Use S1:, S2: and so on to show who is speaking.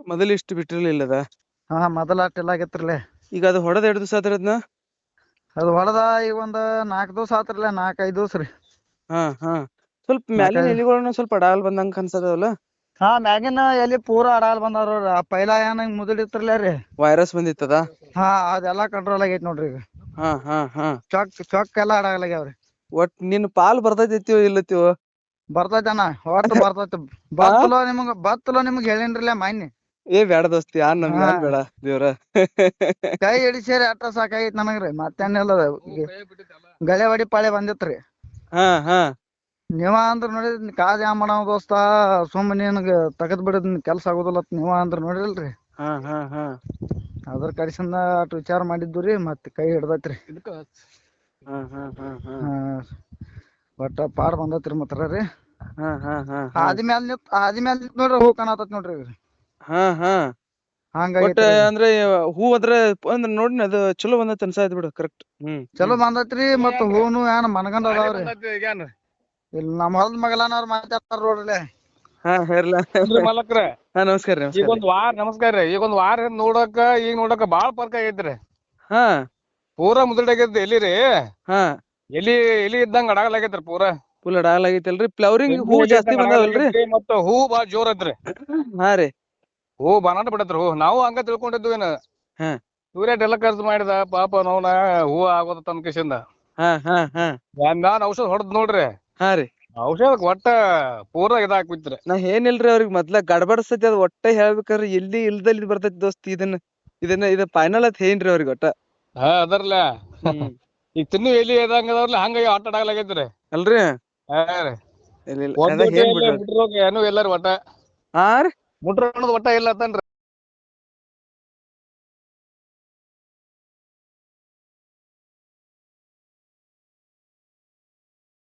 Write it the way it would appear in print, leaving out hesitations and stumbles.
S1: ಮೊದಲು ಇಷ್ಟು ಬಿಟ್ಟಿರ್ಲಿಲ್ಲ ಅದ.
S2: ಹಾ ಮೊದಲ ಅಷ್ಟೆಲ್ಲ ಆಗೈತ್ರಿಲೆ.
S1: ಈಗ ಅದು ಹೊಡೆದ 2 ದಿವಸ ಆತ್ರಿ ಅದನ್ನ.
S2: ಅದು ಹೊಡೆದ ಈಗ ಒಂದ್ 4 ದಿವಸ ಆತ್ರಿಲೆ, 4-5 ದಿವಸ ರೀ.
S1: ಹಾ ಹಾ ಸ್ವಲ್ಪ ಮ್ಯಾಲಿನ ಎಲಿಗಳನ್ನ ಸ್ವಲ್ಪ ಅಡಾಲ್ ಬಂದಂಗ ಅನ್ಸದವಲ್ಲ.
S2: ಹಾ ಮ್ಯಾಗಿನ ಎಲಿ ಪೂರಾ ಅಡಾಲ್ ಬಂದಾರ. ಪೈಲಾ ಏನ ಮುದುಡಿತ್ರಲ್ಲ ರೀ,
S1: ವೈರಸ್ ಬಂದಿತ್ತದ.
S2: ಹಾ ಅದೆಲ್ಲಾ ಕಂಟ್ರೋಲ್ ಆಗೈತಿ ನೋಡ್ರಿ ಈಗ.
S1: ಹಾ ಹಾ ಹಾ
S2: ಚೊಕ್ ಎಲ್ಲಾ ಅಡಾಗಲಾಗ್ಯಾವ್ರಿ.
S1: ಒಟ್ ನಿನ್ ಪಾಲ್ ಬರ್ತೈತಿವೋ ಇಲ್ಲತಿವೋ.
S2: ಬರ್ತೈತಣ್ಣ, ಒಟ್ಟು ಬರ್ತೈತಿ. ಬತ್ತಲೋ ನಿಮ್ಗ್ ಹೇಳಿನ್ರಲ್ಲ ಮಾನ್ಯ.
S1: ಏ ಬ್ಯಾಡ ದೋಸ್ತಿ ಯಾನ್ ನಮ್ಗೆ ಯಾನ್ ಬೇಡ ದೇವ್ರ.
S2: ಕೈ ಹಿಡಿಸೇರಿ ಅಟ್ಟ ಸಾಕಾಗೈತಿ ನನಗ್ರಿ, ಮತ್ತೇನಿಲ್ಲ. ಗಳೆ ಹೊಡಿ ಪಾಳೆ ಬಂದಿತ್ರಿ.
S1: ಹಾ ಹಾ
S2: ನೀವ ಅಂದ್ರ ನೋಡಿದ್ರಿ ಕಾದ್ ಯಾ ಮಾಡವ ದೋಸ್ತ, ಸುಮ್ ನಿನಗ ತಗದ್ ಬಿಡದ್ ಕೆಲ್ಸ ಆಗುದಿಲ್ಲ ನೀವ ಅಂದ್ರ ನೋಡಿರಲ್ರಿ.
S1: ಹಾ ಹಾ ಹಾ
S2: ಅದ್ರ ಕಡಿಸಿಂದ ಅಟ್ ವಿಚಾರ ಮಾಡಿದ್ದುರಿ, ಮತ್ ಕೈ ಹಿಡ್ದೈತ್ರಿ.
S1: ಹಾ ಹಾ ಹಾ ಹಾ
S2: ಹಾ ಒಟ್ಟ ಪಾಡ್ ಬಂದೈತ್ರಿ ಮಾತ್ರ ರೀ.
S1: ಹಾ ಹಾ ಹಾ ಹಾ
S2: ಆದಿಮ್ಯಾಲ್ ನಿಂತ್ ನೋಡ್ರಿ ಹೂ ಕಾಣತೈತ್ ನೋಡ್ರಿ.
S1: ಹಾ ಹಾ ಒಟ್ಟ
S2: ಹಂಗಾಗೈತ್ರಿ.
S1: ಅಂದ್ರೆ ಹೂ ಅದ್ರ ಅಂದ್ರ ನೋಡಿನ ಅದು ಚಲೋ ಬಂದತ್ ಅನ್ಸಾಯ್ತು ಬಿಡು. ಕರೆಕ್ಟ್.
S2: ಚಲೋ ಬಂದೈತ್ರಿ, ಮತ್ ಹೂನು ಏನ್ ಮನಗಂಡ್ ಅದಾವ್ರಿ. ಇಲ್ಲಿ ನಮ್ಮ ಹೊಲದ ಮಗಲಾನವ್ರ ಮಾತಾಡ್ತಾರ ನೋಡ್ರಿ.
S1: ಹಾ ಹೇರ್ಲ.
S3: ಮಾಲಕ್ರ
S1: ಹಾ ನಮಸ್ಕಾರ ರೀ.
S3: ಈಗ ಒಂದ್ ವಾರ ನಮಸ್ಕಾರ ರೀ. ಈಗ ಒಂದ್ ವಾರ ನೋಡಕ ಈಗ ನೋಡಕ ಬಾಳ ಫರ್ಕ್ ಆಗೈತ್ರಿ.
S1: ಹಾ
S3: ಪೂರಾ ಮುದುಡಾಗೈತಿ ಎಲಿ ರೀ.
S1: ಹಾ
S3: ಎಲಿ ಇದ್ದಂಗ ಅಡಾಗಲಾಗೈತ್ರಿ ಪೂರಾ.
S1: ಫುಲ್ ಅಡಾಗಲಾಗೈತಲ್ರಿ. ಫ್ಲವರಿಂಗ್ ಹೂ ಜಾಸ್ತಿ ಬಂದಾವಲ್ರಿ.
S3: ಮತ್ತ ಹೂ ಬಾಳ ಜೋರ್ ಐತ್ರಿ.
S1: ಹಾ ರೀ
S3: ಹೂ ಬನಾಟ ಬಿಡತ್ರಿ. ಹೂ ನಾವು ಹಂಗ ತಿಳ್ಕೊಂಡಿದ್ವಿ ಏನ.
S1: ಹಾ
S3: ಸೂರ್ಯಟ್ ಎಲ್ಲ ಖರ್ಚು ಮಾಡಿದ ಪಾಪ ನೋವ್ನ ಹೂ ಆಗೋದ ತನ್ನ ಕಿಸಿಂದ.
S1: ಹಾ ಹಾ ಹಾ
S3: ನಾನ್ ಔಷಧ ಹೊಡದ್ ನೋಡ್ರಿ.
S1: ಹಾ ರೀ
S3: ಔಷಧಕ್ ಒಟ್ಟ ಪೂರಾ ಇದಾಕ್ಬಿತ್ರಿ.
S1: ನಾ ಏನಿಲ್ರಿ ಅವ್ರಿಗೆ ಮೊದ್ಲ ಗಡಬಡಸ್ತೈತಿ ಅದ್ ಒಟ್ಟ ಹೇಳ್ಬೇಕ್ರಿ. ಎಲ್ಲಿ ಇಲ್ದಲ್ಲಿ ಬರ್ತೈತಿ ದೋಸ್ತಿ. ಇದನ್ನ ಫೈನಲ್ ಅತ್ ಏನ್ರಿ ಅವ್ರಿಗೆ ಒಟ್ಟ.
S3: ಹಾ ಅದರ್ಲ ಈಗ ತಿನ್ನು ಎಲಿ ಇದಂಗದವ್ರಲ್ಲ ಹಂಗಾಗಿ ಆಟ ಆಡಲಾಗೈತ್ರಿ
S1: ಅಲ್ರಿ.
S3: ಹಾ ರೀ.
S1: ಏನ್ ಬಿಡ್ರಿ
S3: ಮುಟ್ರೋಗ ಏನು ಇಲ್ಲರಿ ಒಟ್ಟ.
S1: ಹಾ ರೀ
S3: ಮುಟ್ರ ಒಟ್ಟ ಇಲ್ಲ